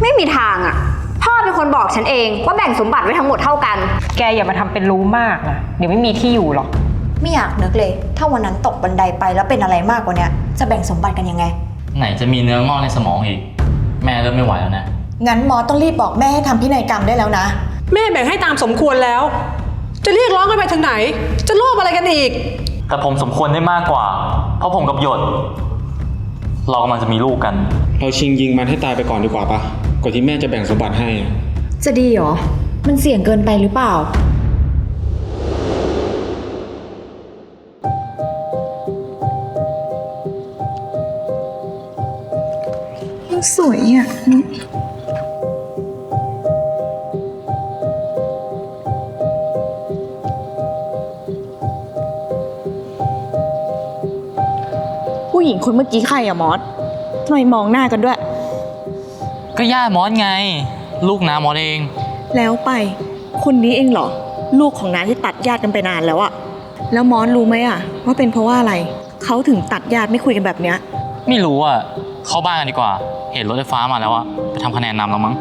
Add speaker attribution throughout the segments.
Speaker 1: ไม่มีทางอ่ะพ่อเป็นคนบอกฉันเองว่าแบ่งสมบัติไว้ทั้งหมดเท่ากัน
Speaker 2: แกอย่ามาทำเป็นรู้มากนะเดี๋ยวไม่มีที่อยู่หรอก
Speaker 3: ไม่อยากนึกเลยถ้าวันนั้นตกบันไดไปแล้วเป็นอะไรมากกว่านี้จะแบ่งสมบัติกันยังไง
Speaker 4: ไหนจะมีเนื้องอกในสมองอีกแม่เริ่มไม่ไหวแล้วนะ
Speaker 3: งั้นหมอต้องรีบบอกแม่ให้ทำพินัยกรรมได้แล้วนะ
Speaker 5: แม่แบ่งให้ตามสมควรแล้วจะเรียกร้องกันไปถึงไหนจะโลภอะไรกันอีก
Speaker 4: แต่ผมสมควรได้มากกว่าเพราะผมกับหยดเรากำลังจะมีลูกกัน
Speaker 6: เราชิงยิงมันให้ตายไปก่อนดีกว่าปะก่อนที่แม่จะแบ่งสมบัติให้
Speaker 3: จะดีเหรอมันเสี่ยงเกินไปหรือเปล่าสวยอ่ะผู้หญิงคนเมื่อกี้ใครอะมอสทำไมมองหน้ากันด้วย
Speaker 4: ก็ย่ามอสไงลูกน้ามอสเอง
Speaker 3: แล้วไปคนนี้เองเหรอลูกของน้าที่ตัดญาติกันไปนานแล้วอะแล้วมอสรู้ไหมอะว่าเป็นเพราะว่าอะไรเขาถึงตัดญาติไม่คุยกันแบบเนี้ย
Speaker 4: ไม่รู้อ่ะเข้าบ้านกันดีกว่าเห็นรถไฟฟ้ามาแล้วอ่ะไปทำคะแนนนำแล้วมั้ง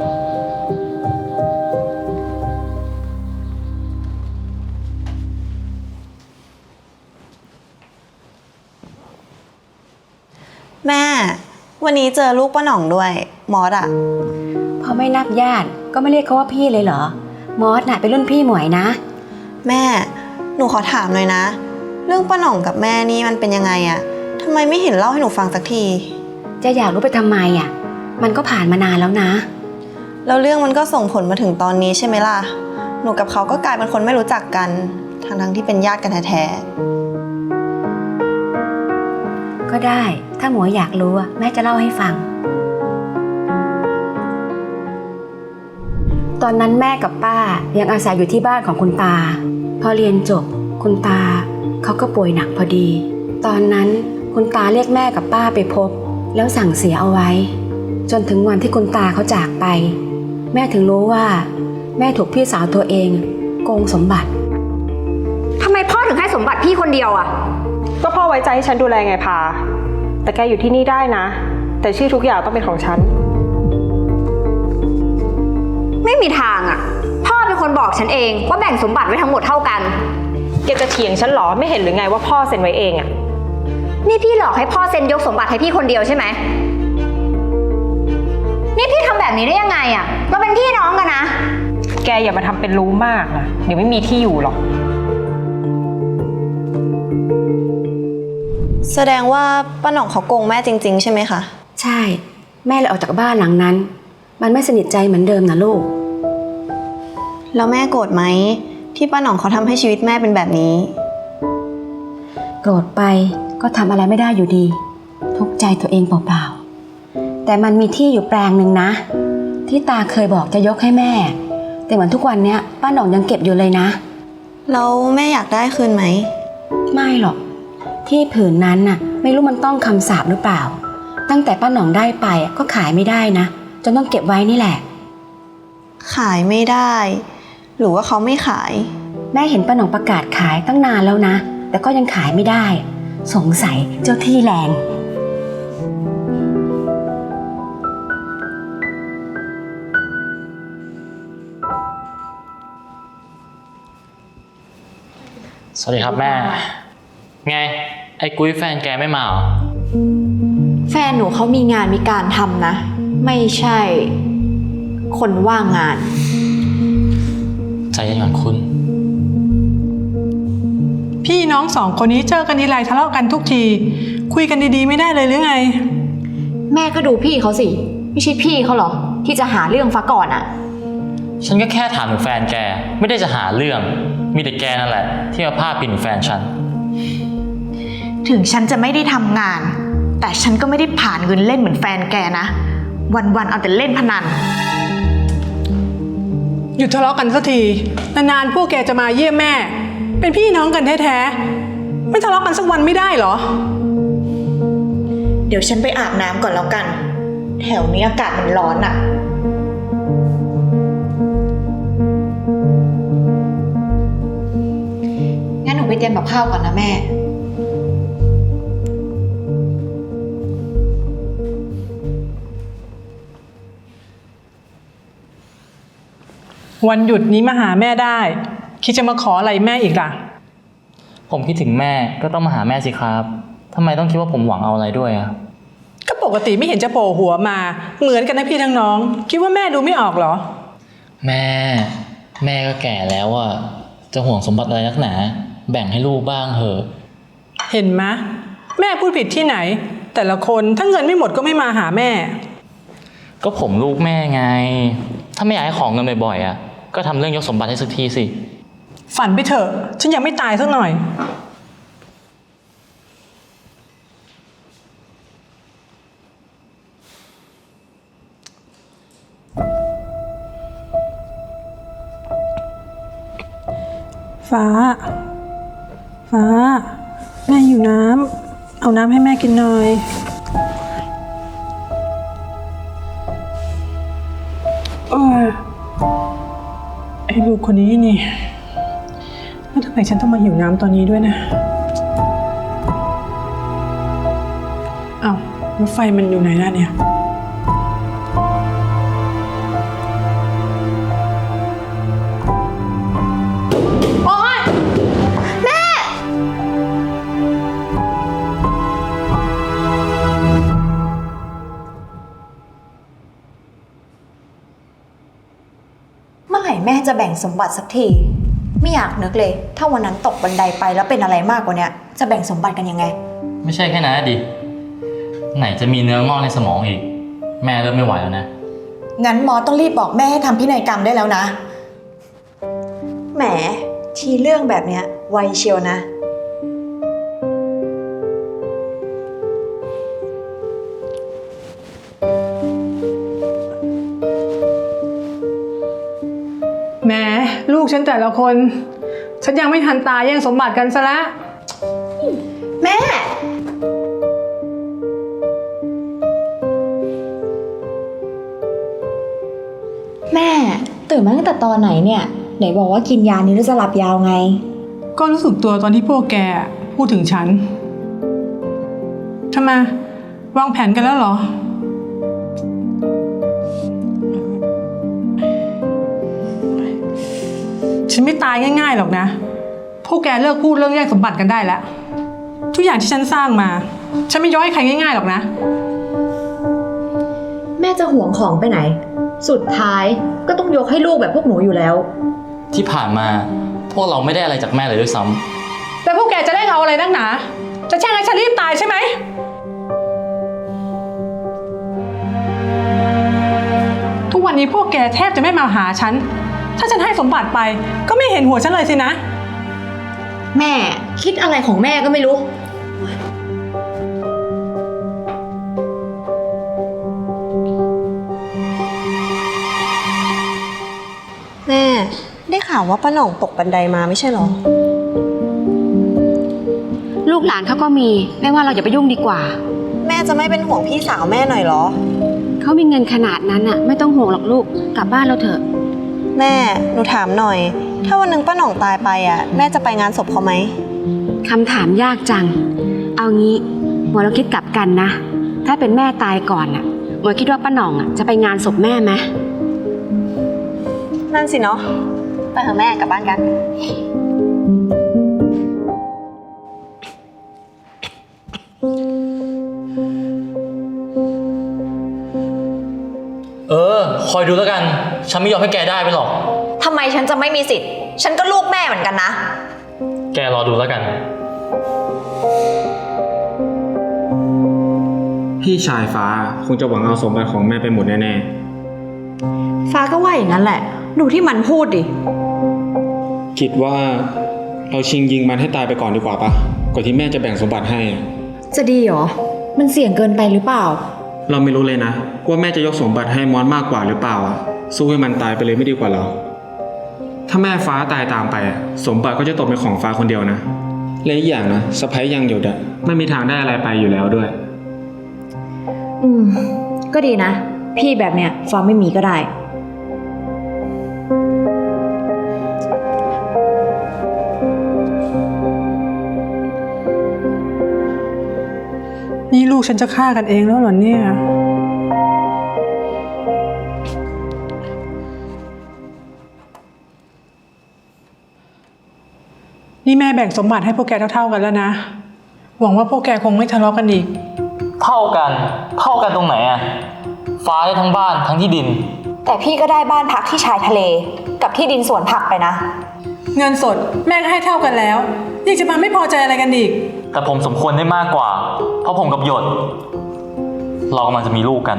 Speaker 7: แม่วันนี้เจอลูกป้าหน่องด้วยมอสอะ
Speaker 8: พอไม่นับญาติก็ไม่เรียกเขาว่าพี่เลยเหรอมอสน่ะเป็นรุ่นพี่หมวยนะ
Speaker 7: แม่หนูขอถามหน่อยนะเรื่องป้าหน่องกับแม่นี่มันเป็นยังไงอะทำไมไม่เห็นเล่าให้หนูฟังสักที
Speaker 8: จะอยากรู้ไปทำไมอ่ะมันก็ผ่านมานานแล้วนะ
Speaker 7: แล้วเรื่องมันก็ส่งผลมาถึงตอนนี้ใช่ไหมล่ะหนูกับเขาก็กลายเป็นคนไม่รู้จักกันทั้งที่เป็นญาติกันแท้
Speaker 8: ๆก็ได้ถ้าหมวยอยากรู้แม่จะเล่าให้ฟังตอนนั้นแม่กับป้ายังอาศัยอยู่ที่บ้านของคุณตาพอเรียนจบคุณตาเขาก็ป่วยหนักพอดีตอนนั้นคุณตาเรียกแม่กับป้าไปพบแล้วสั่งเสียเอาไว้จนถึงวันที่คุณตาเขาจากไปแม่ถึงรู้ว่าแม่ถูกพี่สาวตัวเองโกงสมบัติ
Speaker 1: ทำไมพ่อถึงให้สมบัติพี่คนเดียวอ่ะ
Speaker 2: ก็พ่อไว้ใจให้ฉันดูแลไงพาแต่แกอยู่ที่นี่ได้นะแต่ชื่อทุกอย่างต้องเป็นของฉัน
Speaker 1: ไม่มีทางอ่ะพ่อเป็นคนบอกฉันเองว่าแบ่งสมบัติไว้ทั้งหมดเท่ากัน
Speaker 2: แกจะเถียงฉันหรอไม่เห็นหรือไงว่าพ่อเซ็นไว้เองอ่ะ
Speaker 1: นี่พี่หลอกให้พ่อเซ็นยกสมบัติให้พี่คนเดียวใช่ไหมนี่พี่ทำแบบนี้ได้ยังไงอ่ะเราเป็นพี่น้องกันนะ
Speaker 2: แกอย่ามาทำเป็นรู้มากนะเดี๋ยวไม่มีที่อยู่หรอก
Speaker 7: แสดงว่าป้าหน่องเขาโกงแม่จริงๆใช่ไหมคะ
Speaker 8: ใช่แม่เลยออกจากบ้านหลังนั้นมันไม่สนิทใจเหมือนเดิมนะลูก
Speaker 7: แล้วแม่โกรธไหมที่ป้าหน่องเขาทำให้ชีวิตแม่เป็นแบบนี้
Speaker 8: โกรธไปก็ทำอะไรไม่ได้อยู่ดีทุกข์ใจตัวเองเปล่าๆแต่มันมีที่อยู่แปลงหนึ่งนะที่ตาเคยบอกจะยกให้แม่แต่เหมือนทุกวันเนี้ยป้าหน่องยังเก็บอยู่เลยนะ
Speaker 7: แล้วแม่อยากได้คืนไหม
Speaker 8: ไม่หรอกที่ผืนนั้นน่ะไม่รู้มันต้องคำสาปหรือเปล่าตั้งแต่ป้าหน่องได้ไปก็ขายไม่ได้นะจนต้องเก็บไว้นี่แหละ
Speaker 7: ขายไม่ได้หรือว่าเขาไม่ขาย
Speaker 8: แม่เห็นป้าหน่องประกาศขายตั้งนานแล้วนะแต่ก็ยังขายไม่ได้สงสัยเจ้าที่แรง
Speaker 4: สวัสดีครับแม่ไงไอ้กุ้ยแฟนแกไม่มาเหรอ
Speaker 3: แฟนหนูเขามีงานมีการทำนะไม่ใช่คนว่างงาน
Speaker 4: ใจเย็นก่อนคุณ
Speaker 5: พี่น้องสองคนนี้เจอกันทีไรทะเลาะกันทุกทีคุยกันดีๆไม่ได้เลยหรือไง
Speaker 3: แม่ก็ดูพี่เขาสิไม่ใช่พี่เขาหรอที่จะหาเรื่องฟ้าก่อนอะ
Speaker 4: ฉันก็แค่ถามถึงแฟนแกไม่ได้จะหาเรื่องมีแต่แกนั่นแหละที่มาพาดพิงแฟนฉัน
Speaker 3: ถึงฉันจะไม่ได้ทำงานแต่ฉันก็ไม่ได้ผ่านเงินเล่นเหมือนแฟนแกนะวันๆเอาแต่เล่นพนัน
Speaker 5: หยุดทะเลาะกันสักทีนานๆพวกแกจะมาเยี่ยมแม่เป็นพี่น้องกันแท้ๆไม่ทะเลาะกันสักวันไม่ได้เหรอ
Speaker 3: เดี๋ยวฉันไปอาบน้ำก่อนแล้วกันแถวนี้อากาศมันร้อนอะงั้นหนูไปเตรียมกับข้าวก่อนนะแม่
Speaker 5: วันหยุดนี้มาหาแม่ได้ คิดจะมาขออะไรแม่อีกล่ะ
Speaker 4: ผมคิดถึงแม่ก็ต้องมาหาแม่สิครับทำไมต้องคิดว่าผมหวังเอาอะไรด้วยอะ
Speaker 5: ก็ปกติไม่เห็นจะโผล่หัวมา เหมือนกันนะพี่ทั้งน้อง คิดว่าแม่ดูไม่ออกเหรอ
Speaker 4: แม่ก็แก่แล้วอะจะห่วงสมบัติอะไรนักหนา แบ่งให้ลูกบ้างเถอะ
Speaker 5: เห็นไหมแม่พูดผิดที่ไหน แต่ละคนถ้าเงินไม่หมดก็ไม่มาหาแม่
Speaker 4: ก็ผมลูกแม่ไง ถ้าไม่อยากให้ของเงินบ่อยๆอะก็ทำเรื่องยกสมบัติให้สักทีสิ
Speaker 5: ฝันไปเถอะ ฉันยังไม่ตายสักหน่อย ฟ้า แม่อยู่น้ำ เอาน้ำให้แม่กินหน่อยโอ้ยไอ้ลูกคนนี้นี่แล้วทำไมฉันต้องมาหิวน้ำตอนนี้ด้วยนะอ้าวแล้วไฟมันอยู่ไหนล่ะเนี่ย
Speaker 1: เมื่อไหร่แม่จะแบ่งสมบัติสักที ไม่อยากนึกเลย ถ้าวันนั้นตกบันไดไปแล้วเป็นอะไรมากกว่านี้จะแบ่งสมบัติกันยังไง
Speaker 4: ไม่ใช่แค่นั้นดิ ไหนจะมีเนื้องอกในสมองอีก แม่เริ่มไม่ไหวแล้วนะ
Speaker 1: งั้นหมอต้องรีบบอกแม่ให้ทำพินัยกรรมได้แล้วนะ แหม ทีเรื่องแบบเนี้ยไวเชียวนะ
Speaker 5: แหมลูกฉันแต่ละคน ฉันยังไม่ทันตายแย่งสมบัติกันซะแล้ว
Speaker 1: แม่ แม่ตื่นมาตั้งแต่ตอนไหนเนี่ย ไหนบอกว่ากินยานี้แล้วจะหลับยาวไง
Speaker 5: ก็รู้สึกตัวตอนที่พวกแกพูดถึงฉันทำไมวางแผนกันแล้วเหรอ ฉันไม่ตายง่ายๆหรอกนะ พวกแกเลิกพูดเรื่องแย่งสมบัติกันได้แล้ว ทุกอย่างที่ฉันสร้างมา ฉันไม่ยกให้ใครง่ายๆหรอกนะ
Speaker 1: แม่จะห่วงของไปไหน สุดท้ายก็ต้องยกให้ลูกแบบพวกหนูอยู่แล้ว
Speaker 4: ที่ผ่านมาพวกเราไม่ได้อะไรจากแม่เลยด้วยซ้ำ
Speaker 5: แต่พวกแกจะได้เอาอะไรนักหนา จะแช่งให้ฉันรีบตายใช่ไหม ทุกวันนี้พวกแกแทบจะไม่มาหาฉัน ถ้าฉันให้สมบัติไปก็ไม่เห็นหัวฉันเลยสินะ
Speaker 1: แม่คิดอะไรของแม่ก็ไม่รู้
Speaker 7: แม่ได้ข่าวว่าป้าหน่องตกบันไดมาไม่ใช่เหรอ
Speaker 8: ลูกหลานเขาก็มีแม่ว่าเราอย่าไปยุ่งดีกว่า
Speaker 7: แม่จะไม่เป็นห่วงพี่สาวแม่หน่อยเหรอ
Speaker 8: เขามีเงินขนาดนั้นอะไม่ต้องห่วงหรอกลูกกลับบ้านเราเถอะ
Speaker 7: แม่หนูถามหน่อย ถ้าวันหนึงป้าหน่องตายไปอ่ะแม่จะไปงานศพเขาไหม
Speaker 8: คำถามยากจัง เอางี้หมวยเราคิดกลับกันนะ ถ้าเป็นแม่ตายก่อนอะหมวยคิดว่าป้าหน่องอะจะไปงานศพแม่ไหม
Speaker 7: นั่นสิเนาะไปเถอะแม่กลับบ้านกัน
Speaker 4: คอยดูแล้วกัน ฉันไม่ยอมให้แกได้ไปหรอก
Speaker 1: ทำไมฉันจะไม่มีสิทธิ์ ฉันก็ลูกแม่เหมือนกันนะ
Speaker 4: แกรอดูแล้วกัน
Speaker 6: พี่ชายฟ้าคงจะหวังเอาสมบัติของแม่ไปหมดแน่
Speaker 1: ฟ้าก็ว่าอย่างนั้นแหละ ดูที่มันพูดดิ
Speaker 6: ๆ คิดว่าเราชิงยิงมันให้ตายไปก่อนดีกว่าปะก่อนที่แม่จะแบ่งสมบัติให้
Speaker 1: จะดีเหรอ มันเสี่ยงเกินไปหรือเปล่า
Speaker 6: เราไม่รู้เลยนะว่าแม่จะยกสมบัติให้มอสมากกว่าหรือเปล่าอะสู้ให้มันตายไปเลยไม่ดีกว่าเหรอ ถ้าแม่ฟ้าตายตามไปอะสมบัติก็จะตกเป็นของฟ้าคนเดียวนะและอีกอย่างนะสะใภ้ยังอยู่อะไม่มีทางได้อะไรไปอยู่แล้วด้วย
Speaker 1: ก็ดีนะ พี่แบบเนี้ยฟ้าไม่มีก็ได้
Speaker 5: นี่ลูกฉันจะฆ่ากันเองแล้วเหรอเนี่ยนี่แม่แบ่งสมบัติให้พวกแกเท่าๆกันแล้วนะ หวังว่าพวกแกคงไม่ทะเลาะกันอีก
Speaker 4: เท่ากันตรงไหนอะฟ้าได้ทั้งบ้านทั้งที่ดิน
Speaker 1: แต่พี่ก็ได้บ้านพักที่ชายทะเลกับที่ดินสวนผักไปนะ
Speaker 5: เงินสดแม่ก็ให้เท่ากันแล้วยังจะมาไม่พอใจอะไรกันอีก
Speaker 4: แต่ผมสมควรได้มากกว่า เพราะผมกับหยดเรากำลังจะมีลูกกัน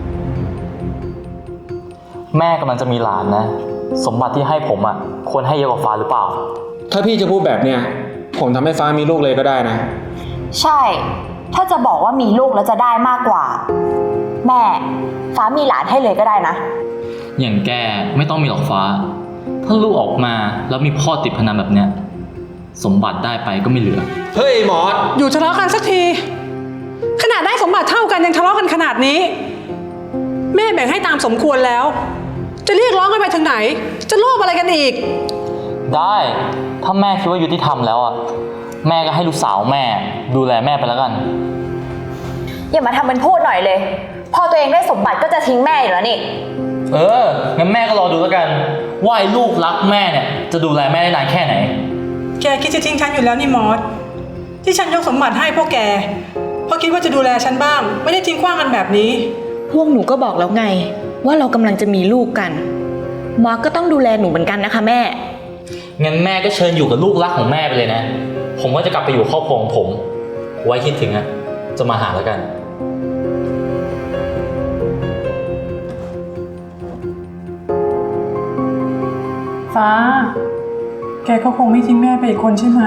Speaker 4: แม่กำลังจะมีหลานนะ สมบัติที่ให้ผมอะควรให้เยอะกว่าฟ้าหรือเปล่า
Speaker 6: ถ้าพี่จะพูดแบบเนี้ยผมทำให้ฟ้ามีลูกเลยก็ได้นะ
Speaker 1: ใช่ ถ้าจะบอกว่ามีลูกแล้วจะได้มากกว่า แม่ ฟ้ามีหลานให้เลยก็ได้นะ
Speaker 4: อย่างแกไม่ต้องมีหรอกฟ้า ถ้าลูกออกมาแล้วมีพ่อติดพนันแบบเนี้ยสมบัติได้ไปก็ไม่เหลือ
Speaker 6: เฮ้ยหมอส
Speaker 5: อยู่ทะเลาะกันสักที ขนาดได้สมบัติเท่ากันยังทะเลาะกันขนาดนี้ แม่แบ่งให้ตามสมควรแล้ว จะเรียกร้องกันไปถึงไหน จะโลภอะไรกันอีก
Speaker 4: ได้ถ้าแม่คิดว่ายุติธรรมแล้วอะแม่ก็ให้ลูกสาวแม่ดูแลแม่ไปแล้วกัน
Speaker 1: อย่ามาทำเป็นพูดหน่อยเลย พอตัวเองได้สมบัติก็จะทิ้งแม่อยู่แล้วนี่
Speaker 4: งั้นแม่ก็รอดูแล้วกันว่าไอ้ลูกรักแม่เนี่ยจะดูแลแม่ได้นานแค่ไหน
Speaker 5: แกคิดจะทิ้งฉันอยู่แล้วนี่มอส ที่ฉันยกสมบัติให้พวกแก เพราะคิดว่าจะดูแลฉันบ้าง ไม่ได้ทิ้งขว้างกันแบบนี้
Speaker 3: พวกหนูก็บอกแล้วไง ว่าเรากำลังจะมีลูกกันมอสก็ต้องดูแลหนูเหมือนกันนะคะแม่
Speaker 4: งั้นแม่ก็เชิญอยู่กับลูกรักของแม่ไปเลยนะ ผมก็จะกลับไปอยู่ครอบครัวของผม ไว้คิดถึงอะจะมาหาแล้วกัน
Speaker 5: ฟ้า แกก็คงไม่ทิ้งแม่ไปอีกคนใช่ไหม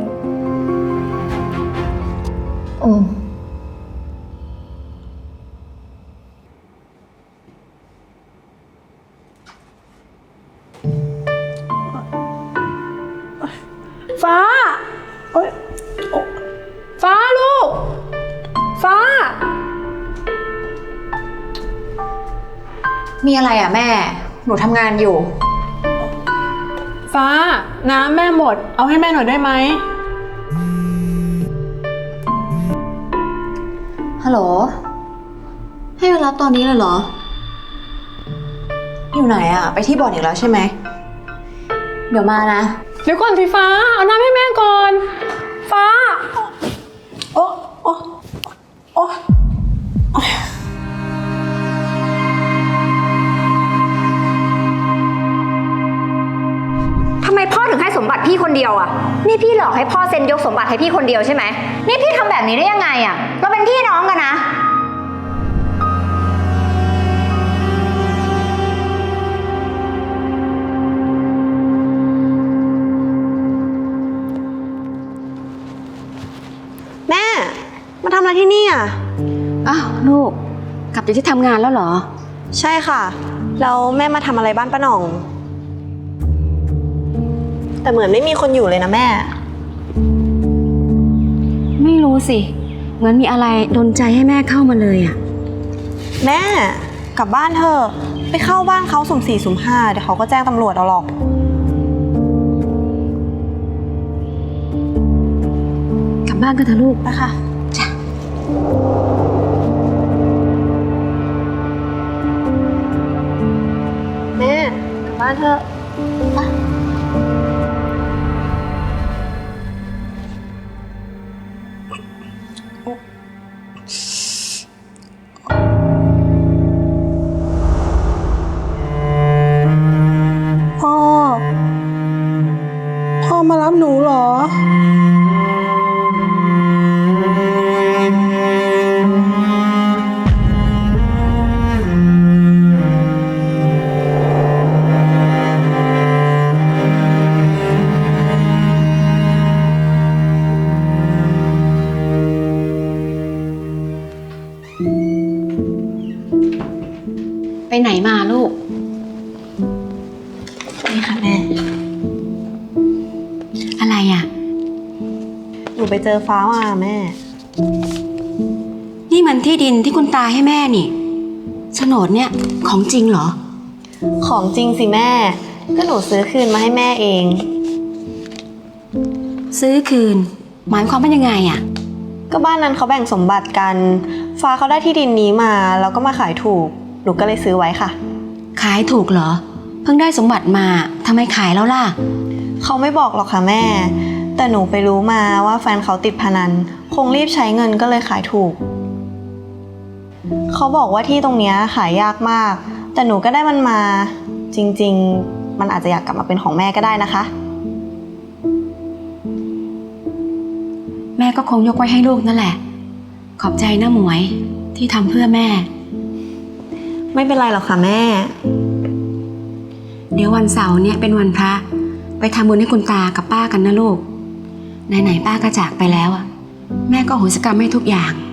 Speaker 5: ฟ้าโอ๊ยโอ๊ะฟ้าลูก ฟ้า
Speaker 1: มีอะไรอ่ะแม่ หนูทำงานอยู่
Speaker 5: ฟ้า น้ำแม่หมด เอาให้แม่หน่อยได้ไหม
Speaker 1: ฮัลโหล ให้มารับตอนนี้เลยเหรอ อยู่ไหนอ่ะ ไปที่บ่อนอีกแล้วใช่ไหม เดี๋ยวมานะ
Speaker 5: เดี๋ยวก่อนสิฟ้า เอาน้ำให้แม่ก่อน ฟ้า โอ๊ะโอ๊ะโอ๊ะ
Speaker 1: ทำไมพ่อถึงให้สมบัติพี่คนเดียวอ่ะ นี่พี่หลอกให้พ่อเซ็นยกสมบัติให้พี่คนเดียวใช่ไหม นี่พี่ทำแบบนี้ได้ยังไงอ่ะ เราเป็นพี่น้องกันนะ
Speaker 7: แม่ มาทำอะไรที่นี่อ่ะ
Speaker 8: อ้าวลูก กลับจากที่ทำงานแล้วเหรอ
Speaker 7: ใช่ค่ะ แล้วแม่มาทำอะไรบ้านป้าหน่อง แต่เหมือนไม่มีคนอยู่เลยนะแม่
Speaker 8: ไม่รู้สิ เหมือนมีอะไรดลใจให้แม่เข้ามาเลยอ่ะ
Speaker 7: แม่กลับบ้านเถอะ ไปเข้าบ้านเขาสุ่ม4สุ่ม5เดี๋ยวเขาก็แจ้งตำรวจเอาหรอก
Speaker 8: กลับบ้านกันเถอะลูก
Speaker 7: ไปค่ะ แม่กลับบ้านเถอะไปพ่อมารับหนูเหรอ
Speaker 8: ไปไหนมาลูก
Speaker 7: นี่ค่ะแม่
Speaker 8: อะไรอ่ะ
Speaker 7: หนูไปเจอฟ้ามาแม่
Speaker 8: นี่มันที่ดินที่คุณตาให้แม่นี่โฉนดเนี่ยของจริงเหรอ
Speaker 7: ของจริงสิแม่ ก็หนูซื้อคืนมาให้แม่เอง
Speaker 8: ซื้อคืน หมายความว่ายังไงอ่ะ
Speaker 7: ก็บ้านนั้นเขาแบ่งสมบัติกัน ฟ้าเขาได้ที่ดินนี้มาแล้วก็มาขายถูก หนูก็เลยซื้อไว้ค่ะ
Speaker 8: ขายถูกเหรอ เพิ่งได้สมบัติมาทำไมขายแล้วล่ะ
Speaker 7: เขาไม่บอกหรอกค่ะแม่แต่หนูไปรู้มาว่าแฟนเขาติดพนัน คงรีบใช้เงินก็เลยขายถูก เขาบอกว่าที่ตรงเนี้ยขายยากมาก แต่หนูก็ได้มันมา จริงๆ มันอาจจะอยากกลับมาเป็นของแม่ก็ได้นะคะ
Speaker 8: แม่ก็คงยกไว้ให้ลูกนั่นแหละ ขอบใจนะหมวยที่ทำเพื่อแม่
Speaker 7: ไม่เป็นไรหรอกค่ะแม่
Speaker 8: เดี๋ยววันเสาร์เนี่ยเป็นวันพระ ไปทำบุญให้คุณตากับป้ากันนะลูก ไหนๆป้าก็จากไปแล้วอะแม่ก็โหสิกรรมให้ทุกอย่าง